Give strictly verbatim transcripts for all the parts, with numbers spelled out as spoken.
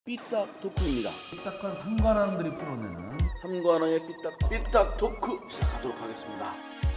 삐딱 토크입니다. 삐딱한 삼관왕들이 풀어내는 삼관왕의 삐딱 삐딱 토크 시작하도록 하겠습니다.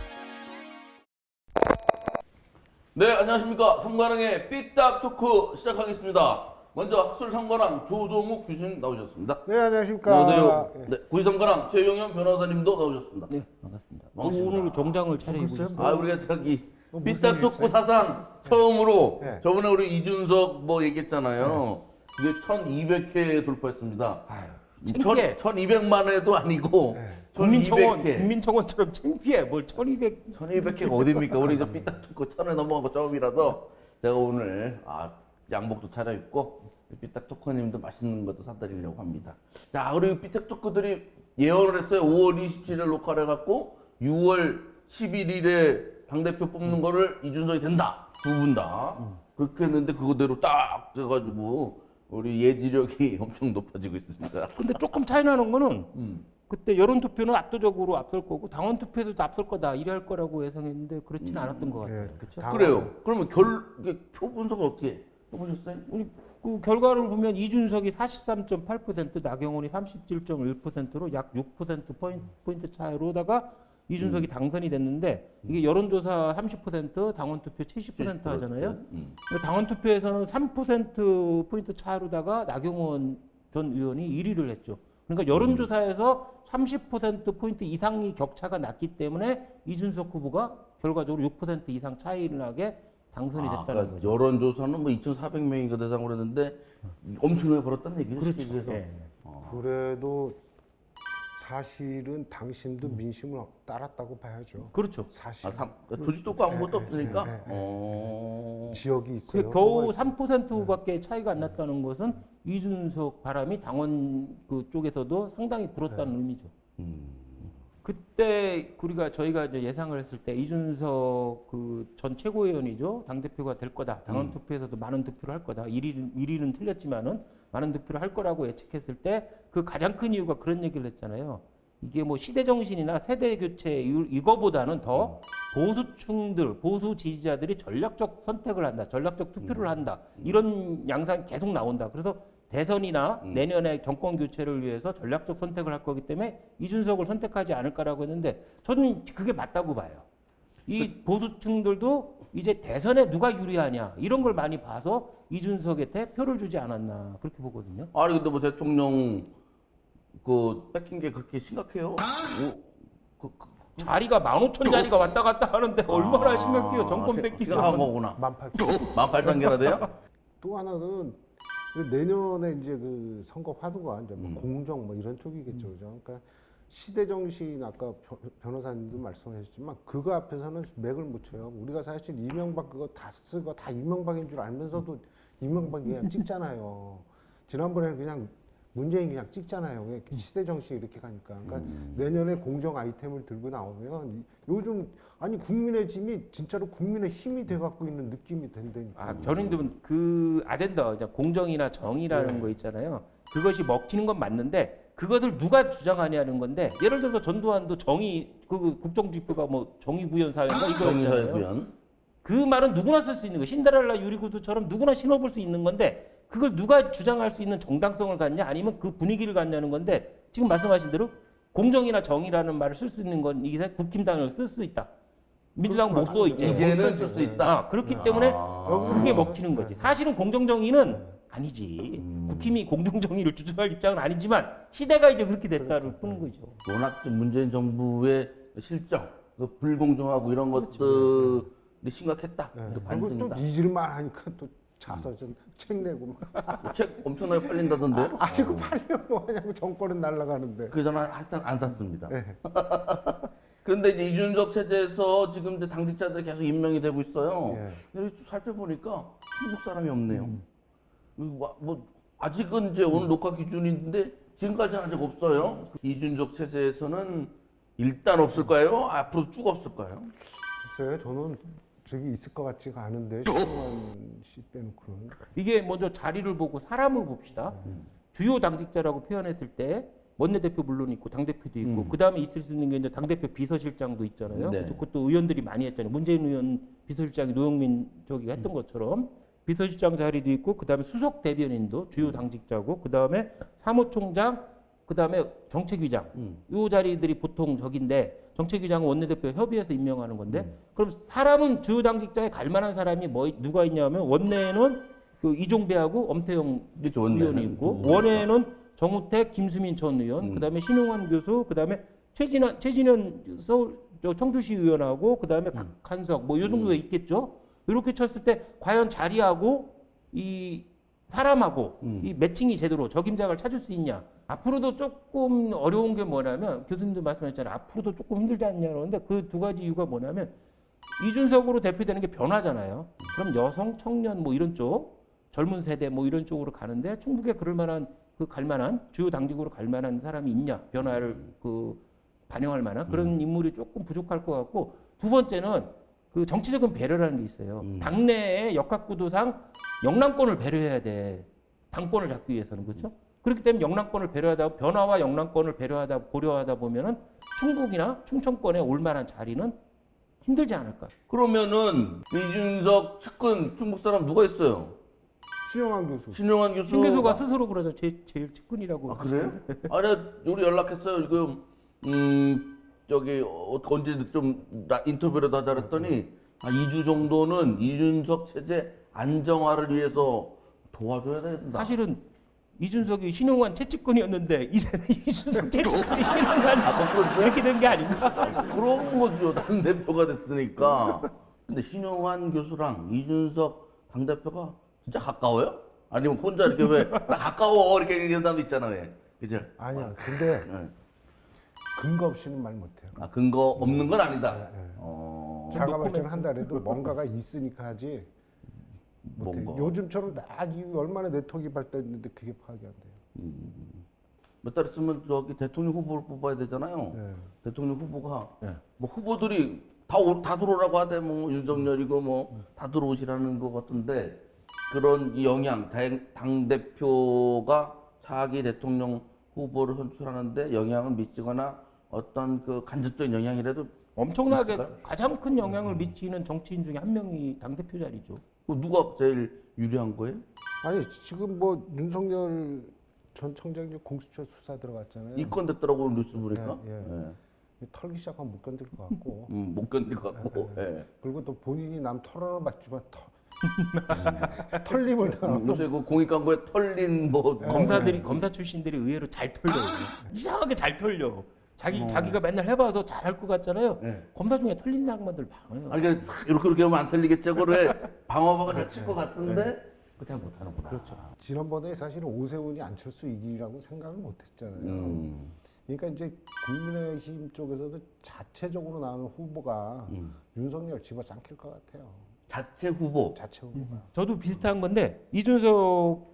네, 안녕하십니까. 삼관왕의 삐딱 토크 시작하겠습니다. 먼저 학술 삼관왕 조동욱 교수님 나오셨습니다. 네, 안녕하십니까. 안녕하세요. 예. 네, 구이 삼관왕 최용현 변호사님도 나오셨습니다. 네, 반갑습니다. 반갑습니다. 오늘 정장을 차려입고 글쎄요, 있습니다. 아, 우리가 저기 뭐 무슨 삐딱 일 토크 있어요? 사상 처음으로 네. 저번에 우리 이준석 뭐 얘기했잖아요. 그게 천이백 회 돌파했습니다. 아유, 창피해. 천이백만 회도 아니고 네. 국민청원, 천이백 회. 국민청원처럼 창피해. 뭘 천이백. 천이백 회가 어딥니까? 우리 이제 삐딱 토크 천에 넘어간 거 처음이라서 제가 오늘 아, 양복도 차려입고 삐딱 토커님도 맛있는 것도 사드리려고 합니다. 자, 우리 삐딱 토커들이 예언을 했어요. 오월 이십칠일 녹화를 해갖고 유월 십일일에 당대표 뽑는 거를 이준석이 된다. 두 분 다. 그렇게 했는데 그거대로 딱 돼가지고 우리 예지력이 엄청 높아지고 있습니다. 근데 조금 차이 나는 거는 음. 그때 여론투표는 압도적으로 앞설 거고 당원투표에서도 앞설 거다. 이래 할 거라고 예상했는데 그렇지는 않았던 것 같아요. 예, 그렇죠? 당원- 그래요. 그러면 결, 이게 표 분석을 어떻게 해보셨어요? 우리 그 결과를 보면 이준석이 사십삼 점 팔 퍼센트, 나경원이 삼십칠 점 일 퍼센트로 약 육 퍼센트 포인트 차이로다가 이준석이 당선이 됐는데 이게 여론조사 삼십 퍼센트, 당원투표 칠십 퍼센트 하잖아요. 음. 당원투표에서는 삼 퍼센트 포인트 차이로다가 나경원 전 의원이 일 위를 했죠. 그러니까 여론조사에서 삼십 퍼센트 포인트 이상이 격차가 났기 때문에 이준석 후보가 결과적으로 육 퍼센트 이상 차이를 나게 당선이 아, 됐다는 그러니까 거죠. 여론조사는 뭐 이천사백 명인가 대상으로 했는데 엄청나게 벌었다는 얘기죠. 그렇죠. 그래서 예. 그래도 사실은 당신도 민심을 따랐다고 봐야죠. 그렇죠. 사실 아, 삼, 조직도 없고 아무것도 예, 예, 없으니까. 예, 예, 예. 어... 지역이 있어요. 그 겨우 뭐가 삼 있어요. 퍼센트밖에 차이가 안 났다는 것은 이준석 바람이 당원 그 쪽에서도 상당히 불었다는 의미죠. 음. 그때 우리가 저희가 이제 예상을 했을 때 이준석 그 전 최고위원이죠. 당 대표가 될 거다. 당원 투표에서도 많은 득표를 할 거다. 일 위는, 일 위는 틀렸지만은 많은 득표를 할 거라고 예측했을 때 그 가장 큰 이유가 그런 얘기를 했잖아요. 이게 뭐 시대 정신이나 세대 교체 이- 이거보다는 더 보수층들, 보수 지지자들이 전략적 선택을 한다. 전략적 투표를 한다. 이런 양상이 계속 나온다. 그래서 대선이나 내년에 정권 교체를 위해서 전략적 선택을 할 거기 때문에 이준석을 선택하지 않을까라고 했는데 저는 그게 맞다고 봐요. 이 보수층들도 이제 대선에 누가 유리하냐 이런 걸 많이 봐서 이준석한테 표를 주지 않았나 그렇게 보거든요. 아니 근데 뭐 대통령 그 뺏긴 게 그렇게 심각해요? 오, 그, 그, 자리가 만 오천 자리가 왔다 갔다 하는데 얼마나 아, 심각해요. 정권 생- 뺏기고. 생각한 거구나. 만 팔. 만 팔천 개나 돼요? 또 하나는 그 내년에 이제 그 선거 화두가 이제 뭐 음. 공정 뭐 이런 쪽이겠죠, 그죠? 그러니까 시대 정신 아까 변- 변호사님도 말씀하셨지만 그거 앞에서는 맥을 못 쳐요. 우리가 사실 이명박 그거 다 쓰고 다 이명박인 줄 알면서도 이명박이 그냥 찍잖아요. 지난번에는 그냥 문재인 그냥 찍잖아요. 그냥 시대 정신 이렇게 가니까. 그러니까 내년에 공정 아이템을 들고 나오면 요즘 아니 국민의 짐이 진짜로 국민의 힘이 돼 갖고 있는 느낌이 된다니까. 아, 저는 그 아젠다, 이제 공정이나 정의라는 네. 거 있잖아요. 그것이 먹히는 건 맞는데 그것을 누가 주장하냐는 건데 예를 들어서 전두환도 정의 그 국정지표가 뭐 정의구현 사회인가 정의사회 이거였잖아요. 구현. 그 말은 누구나 쓸 수 있는 거. 신데렐라 유리구두처럼 누구나 신어볼 수 있는 건데 그걸 누가 주장할 수 있는 정당성을 갖냐 아니면 그 분위기를 갖냐는 건데 지금 말씀하신 대로 공정이나 정의라는 말을 쓸 수 있는 건 이게 국힘당을 쓸 수 있다. 민주당 못 써 이제. 이제는 쓸 수 있다. 아, 그렇기 때문에 아. 그게 먹히는 거지. 사실은 공정정의는 아니지. 음. 국힘이 공정정의를 주장할 입장은 아니지만 시대가 이제 그렇게 됐다를 푸는 거죠. 워낙 좀 문재인 정부의 실정, 그 불공정하고 이런 것들이 심각했다. 네. 그 그리고 또 반증이다. 잊을만 하니까 또 자서 좀 책 내고 막 책 엄청나게 팔린다던데요? 아직은 팔려면 뭐하냐고 정권은 날아가는데. 그래서 는 하여튼 안 샀습니다. 네. 그런데 이제 이준석 체제에서 지금 이제 당직자들이 계속 임명이 되고 있어요. 예. 근데 살펴보니까 한국 사람이 없네요. 뭐, 뭐 아직은 이제 오늘 녹화 기준인데 지금까지는 아직 없어요. 이준석 체제에서는 일단 없을까요? 앞으로 쭉 없을까요? 글쎄요, 저는 저기 있을 것 같지가 않은데 신동환 씨 빼놓고는. 이게 먼저 자리를 보고 사람을 봅시다. 주요 당직자라고 표현했을 때 원내대표 물론 있고 당대표도 있고 음. 그 다음에 있을 수 있는 게 이제 당대표 비서실장도 있잖아요. 네. 그것도 의원들이 많이 했잖아요. 문재인 의원 비서실장이 노영민 저기가 했던 것처럼 비서실장 자리도 있고 그다음에 수석 대변인도 주요 당직자고 그다음에 사무총장 그다음에 정책위장 음. 요 자리들이 보통 적인데 정책위장은 원내대표 협의해서 임명하는 건데 음. 그럼 사람은 주요 당직자에 갈 만한 사람이 뭐 누가 있냐면 원내에는 그 이종배하고 엄태영 이게 원내는? 의원이 있고 음. 원외에는 정우택, 김수민 전 의원, 음. 그다음에 신용환 교수, 그다음에 최진환, 최진현 서울 저 청주시 의원하고 그다음에 음. 박한석 뭐 이 정도 있겠죠. 이렇게 쳤을 때 과연 자리하고 이 사람하고 음. 이 매칭이 제대로 적임자를 찾을 수 있냐? 앞으로도 조금 어려운 게 뭐냐면 교수님도 말씀하셨잖아요. 앞으로도 조금 힘들지 않냐 그러는데 그 두 가지 이유가 뭐냐면 이준석으로 대표되는 게 변화잖아요. 그럼 여성, 청년 뭐 이런 쪽, 젊은 세대 뭐 이런 쪽으로 가는데 충북에 그럴 만한 그 갈 만한 주요 당직으로 갈 만한 사람이 있냐? 변화를 그 반영할 만한 그런 인물이 조금 부족할 것 같고 두 번째는 그 정치적인 배려라는 게 있어요. 음. 당내의 역학구도상 영남권을 배려해야 돼. 당권을 잡기 위해서는 그렇죠? 그렇기 때문에 영남권을 배려하다 변화와 영남권을 배려하다 고려하다 보면은 충북이나 충청권에 올 만한 자리는 힘들지 않을까? 그러면은 이준석 측근 중국 사람 누가 있어요? 신영환 교수. 신용환 교수. 신 교수가 스스로 그러죠. 제, 제일 측근이라고. 아 그래요? 아니 우리 연락했어요. 지금 음 저기 어, 언제 좀 나- 인터뷰라도 하자 그랬더니 아, 이 주 정도는 이준석 체제 안정화를 위해서 도와줘야 된다. 사실은 이준석이 신용환 채찍근이었는데 이제는 이준석 채찍근이 신용환 아, 거꾸로 이렇게 된 게 아닌가? 그런 거죠. 당 대표가 됐으니까. 근데 신용환 교수랑 이준석 당 대표가 진짜 가까워요? 아니면 혼자 이렇게 왜 나 가까워 이렇게 얘기하는 사람도 있잖아요. 그죠? 아니야. 근데 네. 근거 없이는 말 못해요. 아 근거 없는 건 아니다. 네, 네. 어. 자가 발전을 한다래도 뭔가가 있으니까 하지. 못해. 뭔가. 요즘처럼 딱 이 얼마나 네트워크가 발달했는데 그게 파악이 안 돼요. 몇 달 있으면 저기 대통령 후보를 뽑아야 되잖아요. 네. 대통령 후보가 네. 뭐 후보들이 다, 오, 다 들어오라고 하대 뭐 윤석열이고 뭐 다 들어오시라는 것 같은데 그런 이 영향 당, 당 대표가 차기 대통령 후보를 선출하는데 영향을 미치거나 어떤 그 간접적인 영향이라도 엄청나게 있을까요? 가장 큰 영향을 미치는 정치인 중에 한 명이 당대표 자리죠. 그 누가 제일 유리한 거예요? 아니 지금 뭐 윤석열 전 청장이 공수처 수사 들어갔잖아요. 이건 됐더라고 뉴스 보니까. 예, 예. 예. 털기 시작하면 못 견딜 것 같고. 음, 못 견딜 것 같고. 예, 예. 그리고 또 본인이 남 털어는 봤지만 털, 털림을 음, 당하고. 요새 그 공익 광고에 털린 뭐 검사들이 검사 출신들이 의외로 잘 털려요. 이상하게 잘 털려. 자기 어. 자기가 맨날 해봐서 잘할 것 같잖아요. 예. 검사 중에 털린 사람들 많아요. 아니 그냥 싹 이렇게 이렇게 하면 안 틀리겠죠. 그걸 방어막을 잘 칠 것 같은데 그 잘 못하는구나. 그렇죠. 지난번에 사실은 오세훈이 안철수 이기라고 생각을 못했잖아요. 음, 그러니까 이제 국민의힘 쪽에서도 자체적으로 나오는 후보가 음. 윤석열 집어삼킬 것 같아요. 자체 후보. 자체 후보가. 저도 비슷한 건데 이준석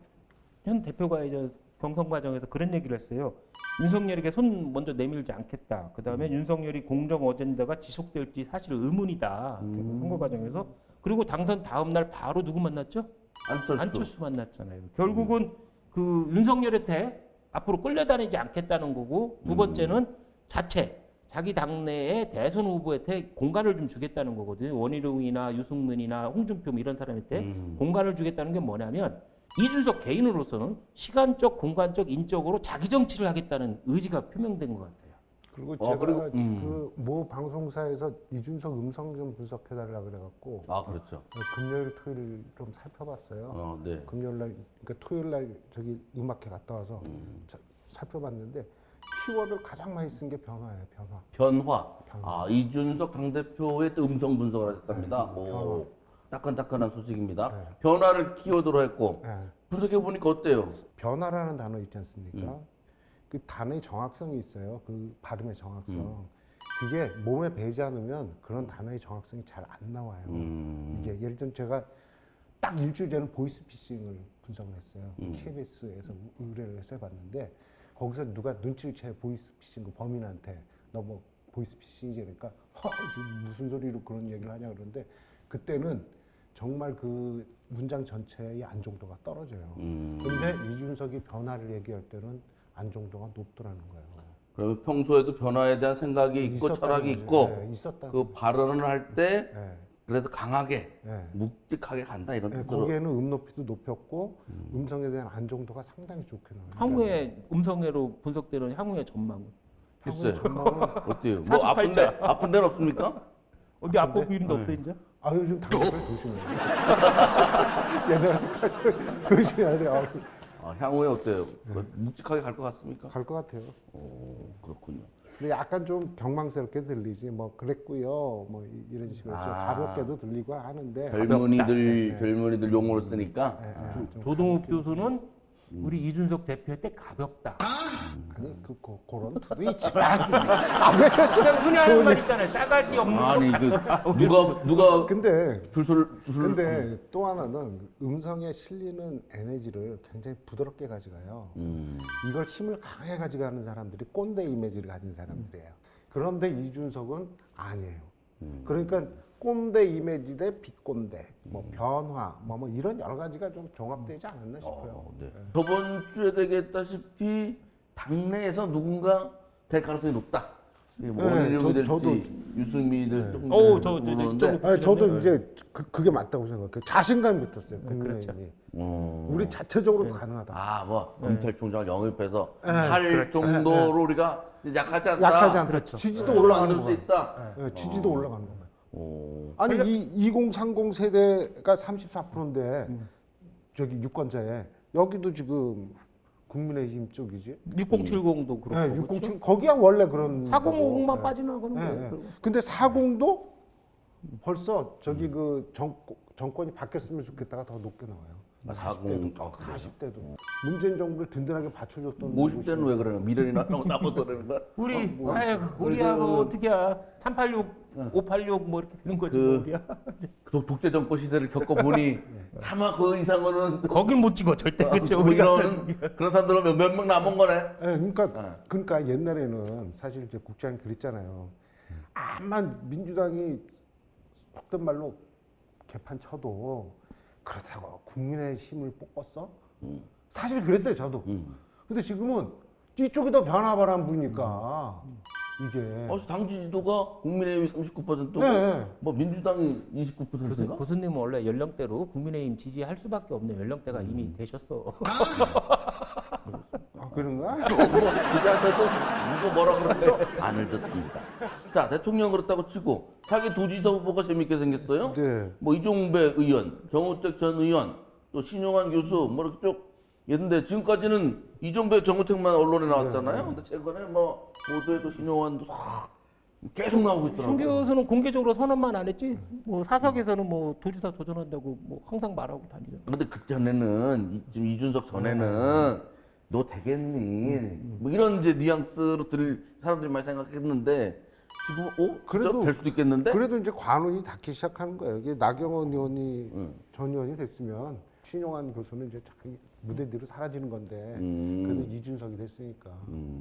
현 대표가 이제 경선 과정에서 그런 얘기를 했어요. 윤석열에게 손 먼저 내밀지 않겠다. 그 다음에 윤석열이 공정 어젠다가 지속될지 사실 의문이다. 그래서 선거 과정에서 그리고 당선 다음 날 바로 누구 만났죠? 안철수. 안철수 만났잖아요. 결국은 그 윤석열한테 앞으로 끌려다니지 않겠다는 거고 두 번째는 자체 자기 당내의 대선 후보한테 공간을 좀 주겠다는 거거든요. 원희룡이나 유승민이나 홍준표 뭐 이런 사람한테 음. 공간을 주겠다는 게 뭐냐면 이준석 개인으로서는 시간적, 공간적, 인적으로 자기 정치를 하겠다는 의지가 표명된 것 같아요. 그리고 어, 제가 그리고, 음. 그 모 방송사에서 이준석 음성 좀 분석해달라 그래갖고 아 그렇죠. 금요일 토요일 좀 살펴봤어요. 어, 네. 금요일 날 그러니까 토요일 날 저기 음악회 갔다 와서 음. 자, 살펴봤는데 키워드를 가장 많이 쓴 게 변화예요. 변화. 변화. 변화. 아 이준석 당 대표의 또 음성 분석을 하셨답니다. 네, 오, 따끈따끈한 소식입니다. 네. 변화를 키워드로 했고 예. 분석해 보니까 어때요? 변화라는 단어 있지 않습니까? 음. 그 단어의 정확성이 있어요. 그 발음의 정확성. 음. 그게 몸에 배지 않으면 그런 단어의 정확성이 잘 안 나와요. 음. 이게 예를 들면 제가 딱 일주일 전에 보이스피싱을 분석을 했어요. 음. 케이비에스에서 의뢰를 해서 해봤는데 거기서 누가 눈치를 채 보이스피싱 그 범인한테 너 뭐 보이스피싱이지 그러니까 허, 지금 무슨 소리로 그런 얘기를 하냐 그러는데 그때는 정말 그 문장 전체의 안정도가 떨어져요. 음. 근데 이준석이 변화를 얘기할 때는 안정도가 높더라는 거예요. 그러면 평소에도 변화에 대한 생각이 있고 있었다는 철학이 거죠. 있고 네, 있었다. 그 발언을 할 때 네. 그래도 강하게 예. 묵직하게 간다 이런 예, 뜻으로. 거기에는 음높이도 높였고 음. 성에 대한 안정도가 상당히 좋게 나와요. 향후에 음성애로 분석되는 향후의 전망은 향후의 글쎄 전망은 어때요? 뭐 사십팔 아픈데 자. 아픈 데는 없습니까? 어디 앞부분 이름도 없어 이제? 아 요즘 당뇨를 조심해요. 옛날에까지 조심해야 돼요. 아, 향후에 어때요? 뭐 묵직하게 갈 것 같습니까? 갈 것 같아요. 오, 그렇군요. 근데 약간 좀 경망스럽게 들리지 뭐 그랬고요. 뭐 이- 이런 식으로 좀 아. 가볍게도 들리고 하는데 젊은이들 네. 젊은이들 용어를 쓰니까 예, 예, 좀 조동욱 교수는 우리 이준석 대표할 때 가볍다. 아니 그, 그 그런 투도 있지만 아, 왜 저- 그냥 흔히 하는 말 있잖아요. 싸가지 없는 아니 거. 그 누가 누가 근데 줄소를 줄소를 근데 또 하나는 음성에 실리는 에너지를 굉장히 부드럽게 가져가요. 음. 이걸 힘을 강하게 가져가는 사람들이 꼰대 이미지를 가진 사람들이에요. 그런데 이준석은 아니에요. 음. 그러니까 꼰대 이미지 대 비꼰대, 뭐 변화, 뭐, 뭐 이런 여러 가지가 좀 종합되지 않았나 싶어요. 어, 네. 저번 주에 되겠다시피 당내에서 누군가 될 가능성이 높다. 이게 뭐 네, 원희룡이 저- 될지 저도- 유승민이들 조금 어우, 저- 저- 저- 모르는데. 저- 아니, 저도 이제 그, 그게 맞다고 생각해요. 자신감이 붙었어요. 국민의힘이. 그렇죠. 어. 우리 자체적으로도 가능하다. 아, 뭐 검찰총장을 영입해서 네, 할 정도로 우리가 약하지 않다. 약하지 않다. 그렇죠. 지지도 네, 올라가는 만들 수 거예요. 있다. 네, 지지도 올라가는 거예요. 오. 아니 이 이공삼공 세대가 삼십사 퍼센트인데 저기 유권자에 여기도 지금 국민의힘 쪽이지. 육공칠공도 그렇고. 네, 육공칠 거기야 원래 그런. 사공오공만 거고. 네. 빠져나가는 네, 거예요. 네. 그리고. 근데 사공도 벌써 저기 그 정, 정권이 바뀌었으면 좋겠다가 더 높게 나와요. 사공, 아, 그래요? 사십 대도 문재인 정부를 든든하게 받쳐줬던. 오십 대는 왜 그러나? 미련이 나고 남아서 그러는 거야? 우리 뭐, 아이고 우리 우리하고 그- 어떻게야 삼팔육, 오팔육 뭐 이렇게 되는 거지 그- 뭐 우리야. 독- 독재 정권 시대를 겪어보니 차마 그 이상으로는 거긴 못 찍어 절대 그렇죠. 뭐 우리가 이런 그런 사람들은 몇 명 남은 거네. 네, 그러니까 네. 그러니까 옛날에는 사실 이제 국장이 그랬잖아요. 암만 민주당이 속된 말로 개판 쳐도 그렇다고 국민의 힘을 뽑았어? 음. 사실 그랬어요 저도. 음. 근데 지금은 이쪽이 더 변화바람 부니까 이게. 어, 당 지지도가 국민의힘이 삼십구 퍼센트고 네. 뭐 민주당이 이십구 교수, 퍼센트인가? 교수님은 원래 연령대로 국민의힘 지지할 수밖에 없는 연령대가 이미 되셨어. 아 그런가? 뭐 기자한테도 누구 뭐라 그러죠? 안을 듣습니다. 자, 대통령 그렇다고 치고 자기 도지사 후보가 재밌게 생겼어요. 네. 뭐 이종배 의원, 정우택 전 의원, 또 신용환 교수 뭐 이렇게 쭉 있는데 지금까지는 이종배, 정우택만 언론에 나왔잖아요. 근데 최근에 뭐 보도에도 신용환도 싹 계속 나오고 신 있더라고요. 교수는 공개적으로 선언만 안 했지. 뭐 사석에서는 뭐 도지사 도전한다고 뭐 항상 말하고 다니죠. 근데 그 전에는 이- 지금 이준석 전에는 너 되겠니? 뭐 이런 이제 뉘앙스로 들을 사람들이 많이 생각했는데 지금 어 그래도- 그래도 될 수도 있겠는데? 그래도 이제 관운이 닿기 시작하는 거예요. 이게 나경원 의원이 음. 전 의원이 됐으면 신용환 교수는 이제 자기 무대대로 사라지는 건데 음. 그래도 이준석이 됐으니까.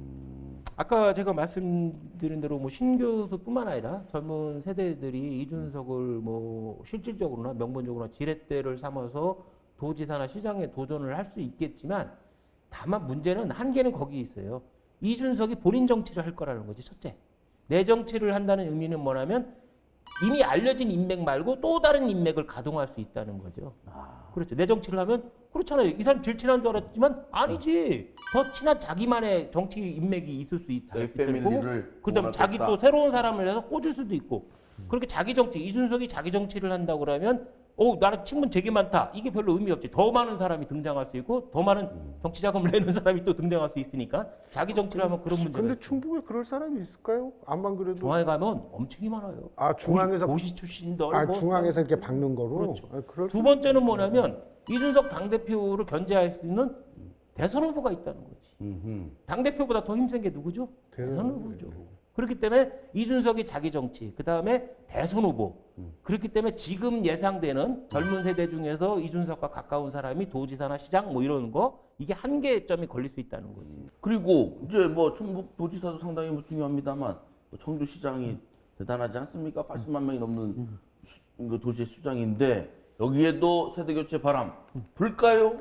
음. 아까 제가 말씀드린 대로 뭐 신 교수뿐만 아니라 젊은 세대들이 이준석을 뭐 실질적으로나 명분적으로나 지렛대를 삼아서 도지사나 시장에 도전을 할 수 있겠지만 다만 문제는 한계는 거기 있어요. 이준석이 본인 정치를 할 거라는 거지 첫째. 내 정치를 한다는 의미는 뭐냐면 이미 알려진 인맥 말고 또 다른 인맥을 가동할 수 있다는 거죠. 아. 그렇죠. 내 정치를 하면 그렇잖아요. 이 사람 제일 친한 줄 알았지만 아니지. 더 친한 자기만의 정치 인맥이 있을 수 있다. 내 있고 패밀리를 그다음 자기 또 새로운 사람을 해서 꽂을 수도 있고. 그렇게 자기 정치 이준석이 자기 정치를 한다고 그러면 어 나랑 친분 되게 많다. 이게 별로 의미 없지. 더 많은 사람이 등장할 수 있고 더 많은 정치 자금을 내는 사람이 또 등장할 수 있으니까 자기 정치를 하면 그런 문제가 근데 있죠. 충북에 그럴 사람이 있을까요? 안만 그래도. 중앙에 가면 엄청이 많아요. 아 중앙에서 고시, 고시 출신들 아 뭐 중앙에서 이렇게 박는 거로. 그렇죠. 아, 그럴 두 번째는 뭐냐면 이준석 당대표를 견제할 수 있는 대선 후보가 있다는 거지. 음흠. 당대표보다 더 힘센 게 누구죠? 대선 대선 후보죠. 그렇기 때문에 이준석이 자기 정치, 그 다음에 대선 후보. 그렇기 때문에 지금 예상되는 젊은 세대 중에서 이준석과 가까운 사람이 도지사나 시장 뭐 이런 거 이게 한계점이 걸릴 수 있다는 거지. 그리고 이제 뭐 충북 도지사도 상당히 뭐 중요합니다만 또 청주시장이 대단하지 않습니까? 팔십만 명이 넘는 수, 그 도시 수장인데 여기에도 세대 교체 바람 불까요?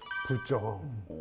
불죠.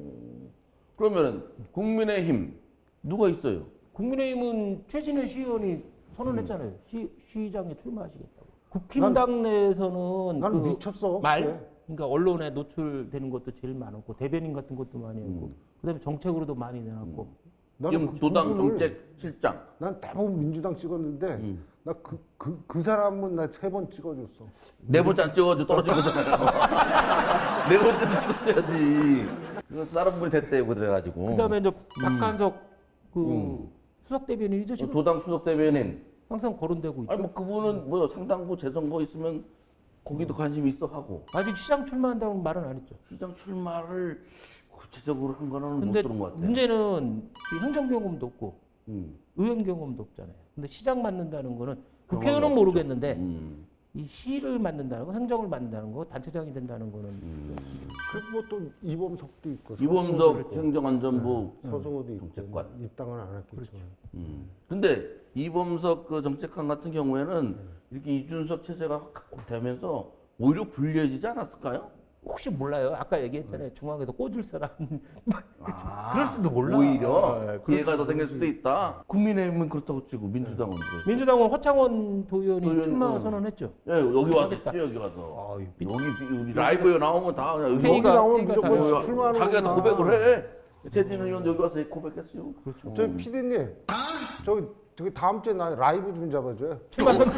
그러면은 국민의힘 누가 있어요? 국민의힘은 최진애 시의원이 선언했잖아요. 시, 시장에 출마하시겠다고. 국힘당 내에서는 나는 그 미쳤어. 말, 그게. 그러니까 언론에 노출되는 것도 제일 많았고 대변인 같은 것도 많이 했고 음. 그다음에 정책으로도 많이 내놨고 나는 지금 그 도당 부분을 정책실장. 난 대부분 민주당 찍었는데 음. 나 그 그 그 사람은 나 세 번 찍어줬어. 네 번째 안 찍어가지고 떨어진 거잖아요. 네 번째도 찍었어야지. 그거 다른 분이 됐대요, 그래가지고. 그다음에 이제 박한석 그 음. 수석 대변인이죠 지금 도당 수석 대변인. 항상 거론되고 있죠. 아니 뭐 그분은 뭐 상당부 재선거 있으면 거기도 관심 있어 하고 아직 시장 출마한다는 말은 안 했죠. 시장 출마를 구체적으로 한 거는 못 근데 들은 것 같아요. 문제는 이 행정 경험도 없고 음. 의원 경험도 없잖아요. 근데 시장 맡는다는 거는 경험이 국회의원은 없죠. 모르겠는데 음. 이 시를 맡는다는 거, 행정을 맡는다는 거, 단체장이 된다는 거는 음. 그리고 뭐 또 이범석도 있고 이범석 서승호도 있고, 행정안전부 서승호도 있고 정책관. 입당은 안 했겠지만 음. 근데 이범석 그 정책관 같은 경우에는 네. 이렇게 이준석 체제가 되면서 오히려 불리해지지 않았을까요? 혹시 몰라요. 아까 얘기했잖아요. 네. 중앙에서 꽂을 사람. 아, 그럴 수도 몰라. 오히려 네, 기회가 더 생길 수도 있다. 국민의힘은 그렇다고 치고 민주당은 네. 그렇죠. 민주당은 허창원 도의원이 도의원, 출마 어. 선언했죠. 예, 여기 와서 하겠다. 했지, 여기 가서. 아유, 여기 우리 라이브에 나오면 다 그냥 K가- 여기 나오면 K가 무조건 다- 출마하는 자기가 다 거구나. 고백을 해. 최진 의원 여기 와서 고백했어요. 그렇죠. 저기 피디님 저기 저기 다음 주에 나 라이브 좀 잡아줘요. 출마 선언.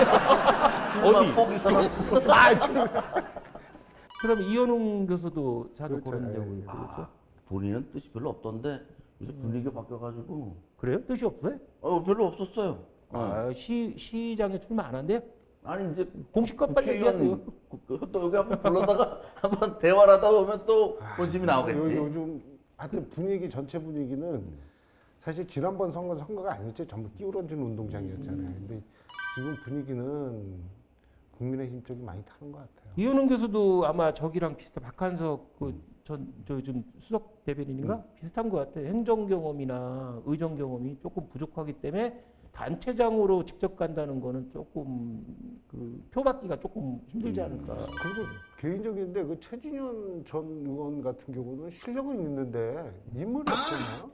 어디? 포기 선언. 아 지금 그다음에 이현웅 교수도 자주 그렇죠. 거론되고 예, 있고 아, 그렇죠. 본인은 뜻이 별로 없던데 요새 분위기가 바뀌어가지고 그래요? 뜻이 없어요? 어 별로 없었어요. 어. 아, 시 시장에 출마 안 한대요? 아니 이제 공식껏 빨리 얘기하세요. 국회의원 또 여기 한번 불러다가 한번 대화를 하다 보면 또 본심이 요, 나오겠지. 요즘 하여튼 분위기 전체 분위기는 사실 지난번 선거 선거가 아니었죠. 전부 끼우러진 운동장이었잖아요. 근데 지금 분위기는 국민의힘 쪽이 많이 타는 것 같아요. 이현웅 교수도 아마 저기랑 비슷해. 박한석 그전저 지금 수석 대변인인가 비슷한 것 같아요. 행정 경험이나 의정 경험이 조금 부족하기 때문에 단체장으로 직접 간다는 거는 조금 그 표받기가 조금 힘들지 않을까. 그리고 개인적인데 그 최진현 전 의원 같은 경우는 실력은 있는데 인물이 없잖아요.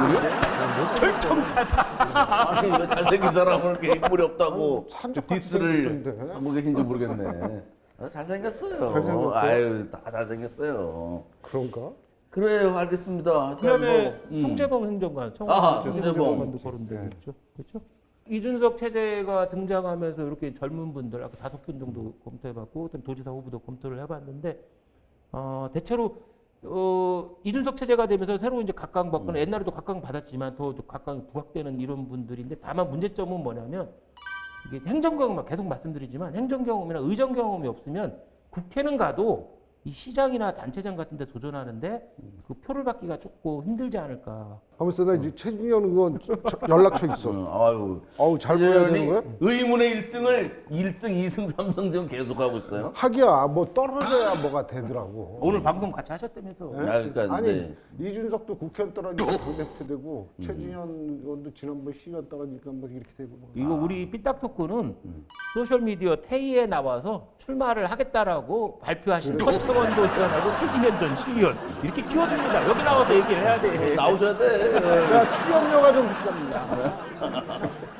아니 왜 잘생긴 사람은 이렇게 인물이 없다고 산적같이 디스를 생겼던데. 하고 계신지 모르겠네. 아, 잘생겼어요. 잘생겼어요? 아유 다 잘생겼어요. 그런가? 그래요, 알겠습니다. 그다음에 뭐, 음. 송재봉 행정관, 아, 청와대 송재봉. 행정관도 거론되고 네. 있죠. 그렇죠? 이준석 체제가 등장하면서 이렇게 젊은 분들 아까 다섯 분 정도 검토해봤고, 그다음 도지사 후보도 검토를 해봤는데 어, 대체로 어, 이준석 체제가 되면서 새로 이제 각광 받거나 옛날에도 각광 받았지만 더 각광이 부각되는 이런 분들인데 다만 문제점은 뭐냐면 이게 행정 경험 계속 말씀드리지만 행정 경험이나 의정 경험이 없으면 국회는 가도 이 시장이나 단체장 같은 데 도전하는데 그 표를 받기가 조금 힘들지 않을까. 하면서 나 이제 최진현 의원 저- 연락처 있어. 음, 아유. 어우 잘 보여야 되는 거야? 의문의 일 승을 일 승, 이 승, 삼 승 지금 계속하고 있어요. 하기야 뭐 떨어져야 뭐가 되더라고. 오늘 방송 같이 하셨다면서. 예? 아, 그러니까 아니 이제- 이준석도 국회의원 떨어지고 당대표 되고 최진현 의원도 지난번 시의원 떨어지니까 뭐 이렇게 되고 뭐. 이거 우리 삐딱 토크는 소셜미디어 테이에 나와서 출마를 하겠다라고 발표하신 허창원도 의원하고 최진현 전 시의원 이렇게 키워줍니다. 여기 나와서 얘기를 해야 돼. 나오셔야 돼. 자 출연료가 좀 비쌉니다.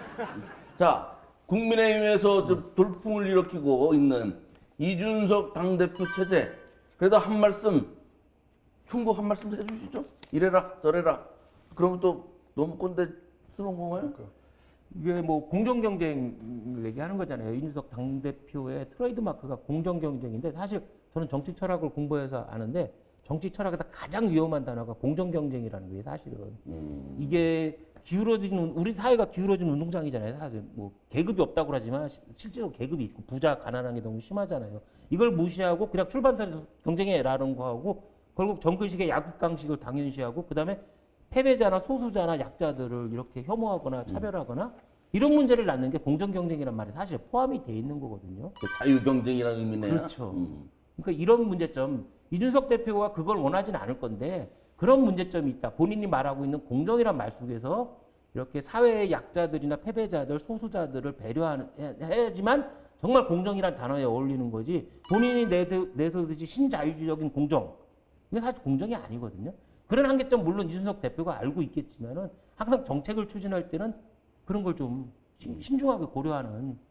자, 국민의힘에서 좀 돌풍을 일으키고 있는 이준석 당대표 체제. 그래도 한 말씀, 충고 한 말씀 해주시죠. 이래라, 저래라. 그러면 또 너무 꼰대 쓰는 건가요? 이게 뭐 공정 경쟁 얘기하는 거잖아요. 이준석 당 대표의 트레이드 마크가 공정 경쟁인데 사실 저는 정치 철학을 공부해서 아는데 정치 철학에서 가장 위험한 단어가 공정 경쟁이라는 거예요. 사실은 음. 이게 기울어지는 우리 사회가 기울어진 운동장이잖아요. 사실 뭐 계급이 없다고 그러지만 시- 실제로 계급이 있고 부자 가난한 게 너무 심하잖아요. 이걸 무시하고 그냥 출발선에서 경쟁해라는 거하고 결국 정글식의 야국강식을 당연시하고 그다음에 패배자나 소수자나 약자들을 이렇게 혐오하거나 차별하거나 이런 문제를 낳는 게 공정 경쟁이란 말이 사실 포함이 돼 있는 거거든요. 그 자유 경쟁이라는 의미네요. 그렇죠. 음. 그러니까 이런 문제점 이준석 대표가 그걸 원하지는 않을 건데 그런 문제점이 있다. 본인이 말하고 있는 공정이란 말 속에서 이렇게 사회의 약자들이나 패배자들, 소수자들을 배려해야지만 정말 공정이란 단어에 어울리는 거지. 본인이 내세- 내세우듯이 신자유주의적인 공정. 이게 사실 공정이 아니거든요. 그런 한계점 물론 이준석 대표가 알고 있겠지만은 항상 정책을 추진할 때는 그런 걸 좀 신중하게 고려하는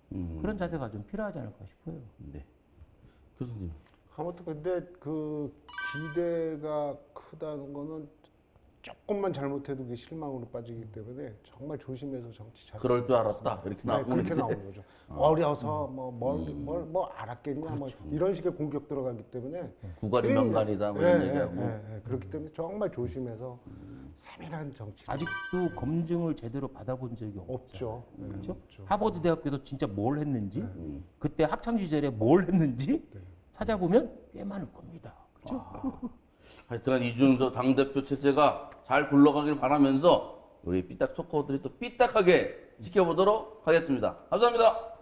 음. 그런 자세가 좀 필요하지 않을까 싶어요. 네. 교수님. 아무튼 근데 그 기대가 크다는 거는 조금만 잘못해도 그게 실망으로 빠지기 때문에 정말 조심해서 정치 잘. 그럴 줄 알았다. 이렇게 네, 나오는 그렇게 거지. 나오는 거죠. 어려서 뭐뭘뭘 뭐 알았겠냐 뭐 이런 식의 공격 들어가기 때문에 구가리 굉장히- 명간이다 뭐 예, 이런 예, 얘기하고. 예, 예. 그렇기 때문에 정말 조심해서 세밀한 정치 아직도 검증을 제대로 받아본 적이 없죠. 없죠. 예, 그렇죠? 없죠. 하버드 대학교에서 진짜 뭘 했는지, 음. 그때 학창 시절에 뭘 했는지 네. 찾아보면 꽤 많을 겁니다. 그렇죠? 하여튼 이준석 당대표 체제가 잘 굴러가길 바라면서 우리 삐딱 토커들이 또 삐딱하게 지켜보도록 하겠습니다. 감사합니다.